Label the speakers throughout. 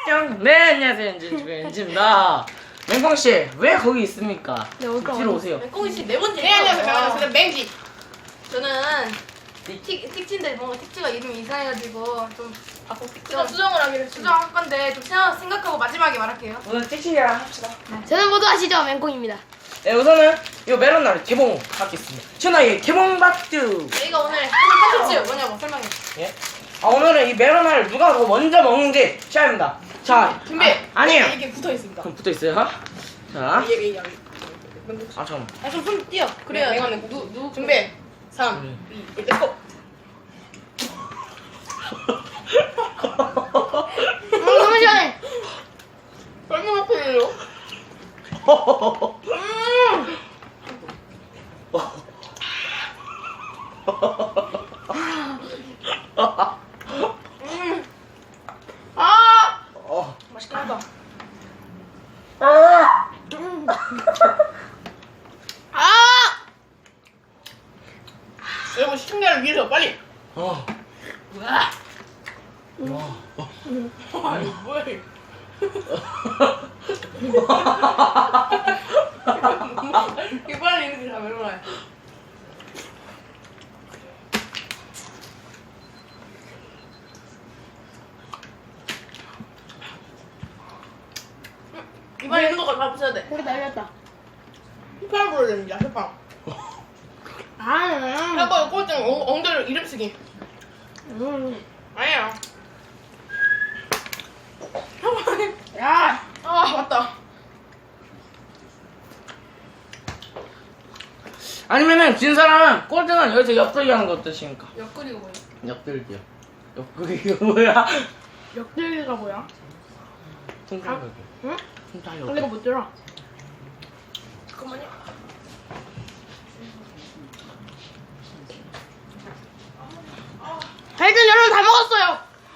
Speaker 1: 안녕. 네, 안녕하세요. 엔지입니다. 맹꽁씨, 왜 거기 있습니까?
Speaker 2: 네, 올까?
Speaker 1: 뒤로 오세요.
Speaker 2: 맹꽁이 씨 네 번째.
Speaker 3: 네, 안녕하세요. 저는 맹지.
Speaker 2: 저는 택지인데 뭔가 택지가 이름이 이상해가지고 좀 바꿔
Speaker 3: 수정을 하기로 했습니다.
Speaker 2: 수정할 건데 좀 생각하고 마지막에 말할게요.
Speaker 1: 오늘 찍찍이랑 합시다.
Speaker 4: 저는 모두 아시죠? 맹꽁입니다.
Speaker 1: 네, 우선은 이 멜론날 개봉하겠습니다. 전화의 개봉박두.
Speaker 2: 저희가 오늘 컨텐츠 뭐냐고 설명해.
Speaker 1: 예? 오늘은 이 멜론날 누가 더 먼저 먹는지 시작입니다. 자,
Speaker 3: 준비.
Speaker 1: 아니에요.
Speaker 3: 이게 붙어 있습니다.
Speaker 1: 그럼 붙어 있어요. 자,
Speaker 3: 이게
Speaker 1: 아 잠깐만.
Speaker 2: 좀손 띄어. 그래야
Speaker 3: 맹언은 누 준비. 3, 2, 1, 렛츠고.
Speaker 4: 너무 시원해.
Speaker 3: 얼마나 편해요? 아!
Speaker 2: 맛있긴 하다.
Speaker 3: 여러분 시청자를 위해서 빨리.
Speaker 2: 뭐야?
Speaker 3: 아니 뭐야 이거. 이거 빨리 이렇게 다 멜로나요.
Speaker 2: 이번에 있는 거 다 붙여야 돼.
Speaker 4: 고기 날렸다.
Speaker 3: 휘파람 불어야 됩니다. 휘파람. 하고 꼴등 엉덩이로 이름 쓰기. 아니야. 야, 맞다.
Speaker 1: 아니면은 진 사람은 꼴등은 여기서 옆돌기 하는 거 어떠십니까?
Speaker 2: 옆구리가 뭐야?
Speaker 1: 옆돌기요. 옆돌기가 뭐야?
Speaker 4: 역들기가 뭐야?
Speaker 1: 통짜기.
Speaker 4: 응?
Speaker 1: 통짜기.
Speaker 4: 근데 이거 못 들어.
Speaker 2: 잠깐만요.
Speaker 4: 하여튼 여러분 다 먹었어요.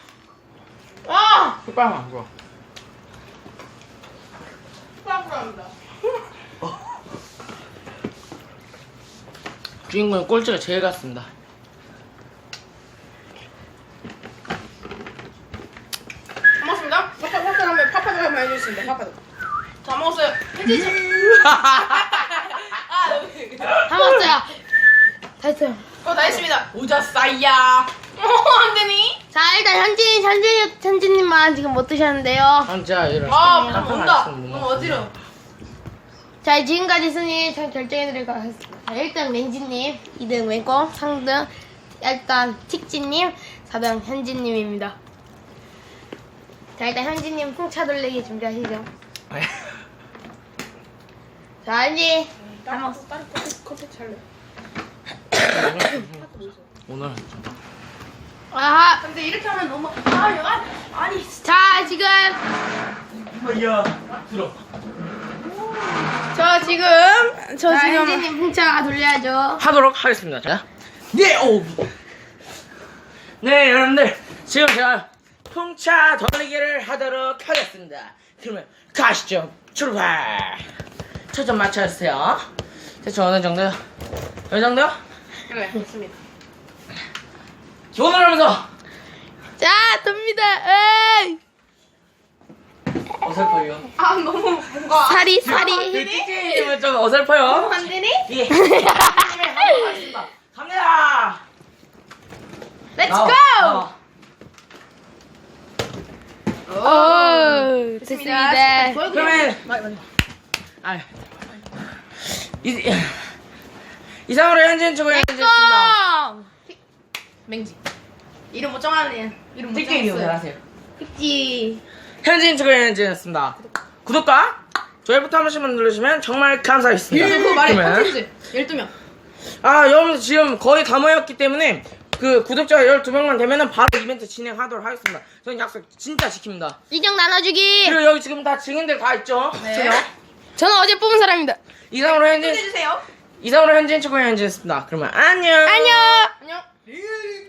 Speaker 3: 아,
Speaker 1: 휘파람 안 불어.
Speaker 3: 휘파람 불어합니다.
Speaker 1: 주인공은 꼴찌가 제일 같습니다.
Speaker 3: 다 먹었습니다. 파파도 한번 해주겠습니다. 파파도.
Speaker 2: 다 먹었어요. 현진 씨.
Speaker 4: 다 먹었어요. 다 했어요.
Speaker 2: 다 했습니다. 오자 싸이야. 안 되니?
Speaker 4: 자 일단 현진님만 지금 못 드셨는데요.
Speaker 1: 한자 이런.
Speaker 2: 아, 온다. 너무 어지러워.
Speaker 4: 자 지금까지 순위 잘 결정해드리도록 하겠습니다. 자, 1등 맹지님, 2등 맹꽁, 3등 일단 틱지님, 4등 현진님입니다. 자 일단 현진님 풍차 돌리기 준비하시죠. 자 현진 다 먹었어.
Speaker 3: 다른 컨텐츠 할래.
Speaker 1: 오늘
Speaker 4: 아하.
Speaker 2: 근데 이렇게 하면 너무 아니.
Speaker 4: 자 지금
Speaker 1: 야 들어.
Speaker 4: 자 현진님 풍차 돌려야죠.
Speaker 1: 하도록 하겠습니다. 자, 네, 오. 네, 여러분들 지금 제가 풍차 돌리기를 하도록 하겠습니다. 그러면 가시죠. 출발. 초점 맞춰주세요. 대충 어느 정도요? 어느 정도요?
Speaker 3: 그래, 좋습니다.
Speaker 1: 기본을 하면서
Speaker 4: 자 돕니다. 에이.
Speaker 1: 어설퍼요.
Speaker 3: 아, 너무 뭔가.
Speaker 4: 사리
Speaker 1: 띠띠님은 좀 어설퍼요.
Speaker 3: 안 되니?
Speaker 1: 예. 띠띠님의 하도록 하겠습니다. 갑니다.
Speaker 4: 렛츠
Speaker 1: 나와,
Speaker 4: 고.
Speaker 1: 나와.
Speaker 4: 오 됐습니다.
Speaker 1: 그러면 아 이상으로 현진 축구 현진입니다.
Speaker 4: 맹꽁.
Speaker 2: 맹지. 이름 못 정하네. 이름 못
Speaker 1: 띠띠님
Speaker 2: 정했어요.
Speaker 1: 잘하세요.
Speaker 4: 픽지.
Speaker 1: 현진 축구 현진이었습니다. 구독과 좋아요부터 한 번씩만 누르시면 정말 감사하겠습니다.
Speaker 2: 그거 말해.
Speaker 1: 그러면
Speaker 2: 컨텐츠 12명.
Speaker 1: 아 여러분들 지금 거의 다 모였기 때문에 그 구독자 12명만 되면은 바로 이벤트 진행하도록 하겠습니다. 저는 약속 진짜 지킵니다.
Speaker 4: 인형 나눠주기.
Speaker 1: 그리고 여기 지금 다 증인들 다 있죠?
Speaker 2: 네.
Speaker 4: 저는 어제 뽑은 사람입니다.
Speaker 1: 이상으로 현진
Speaker 2: 해주세요.
Speaker 1: 이상으로 현진 축구 현진이었습니다. 그러면 안녕.
Speaker 4: 안녕.
Speaker 3: 안녕.